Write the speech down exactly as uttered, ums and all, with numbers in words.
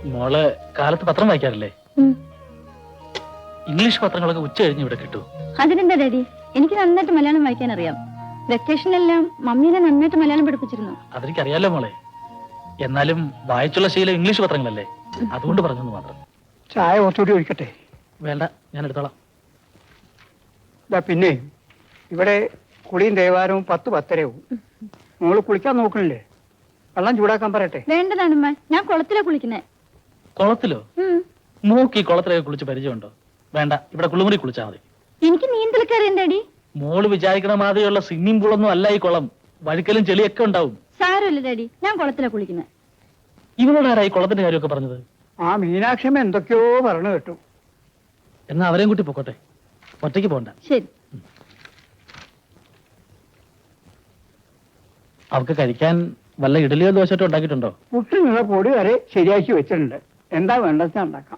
മോള് കാലത്ത് പത്രം വായിക്കാറില്ലേ? ഉം. ഇംഗ്ലീഷ് പത്രങ്ങളൊക്കെ ഉച്ച കഴിഞ്ഞ് ഇവിടെ കിട്ടൂ. അതിനെന്താ ഡാഡി, എനിക്ക് നന്നായിട്ട് മലയാളം വായിക്കാൻ അറിയാം. വെക്കേഷനിലെല്ലാം മമ്മീനെ നന്നായിട്ട് മലയാളം പഠിപ്പിച്ചിരുന്നു. അതെനിക്കറിയാലോ മോളെ. എന്നാലും വായിച്ചുള്ള ശീലം ഇംഗ്ലീഷ് പത്രങ്ങളല്ലേ, അതുകൊണ്ട് പറഞ്ഞെന്ന് മാത്രം. ചായ കുറച്ചുകൂടി ഒഴിക്കട്ടെ? വേണ്ട, ഞാൻ എടുത്തോളാം. ഇതാ പിന്നെ ഇവിടെ കുളിയും ദേവാരവും പത്ത് പത്തരവും. മോള് കുളിക്കാൻ നോക്കണില്ലേ? വെള്ളം ചൂടാക്കാൻ പറയട്ടെ? വേണ്ടതാണമ്മ, ഞാൻ കുളത്തിലാ കുളിക്കുന്നേ. കുളത്തിലോ? ഉം. മൂക്കി കുളത്തിലൊക്കെ കുളിച്ച് പരിചയമുണ്ടോ? വേണ്ട, ഇവിടെ കുളിമുറി കുളിച്ചാൽ മതി. എനിക്ക് നീന്തലൊക്കെ അറിയാം ഡാഡി. മോള് വിചാരിക്കണ മാതിരിയുള്ള സ്വിമ്മിംഗ് പൂളൊന്നും അല്ല ഈ കുളം. വഴുക്കലും ചെളിയൊക്കെ ഉണ്ടാവും. സാരമില്ല ഡാഡി, ഞാൻ കുളത്തിലാ കുളിക്കുന്നത്. ഇവനോട് ആരായി കുളത്തിന്റെ കാര്യമൊക്കെ പറഞ്ഞത്? ആ മീനാക്ഷമ്മ എന്തൊക്കെയോ പറഞ്ഞു കേട്ടു. എന്നാ അവരെയും കൂട്ടി പൊക്കോട്ടെ, ഒറ്റയ്ക്ക് പോണ്ട. ശരി. അവർക്ക് കഴിക്കാൻ വല്ല ഇഡലിയോ ദോശയോ ഉണ്ടാക്കിയിട്ടുണ്ടോ? പുട്ടിനുള്ള പൊടി വരെ ശരിയാക്കി വെച്ചിട്ടുണ്ട്. എന്താ വേണ്ടത് ഉണ്ടാക്കാം.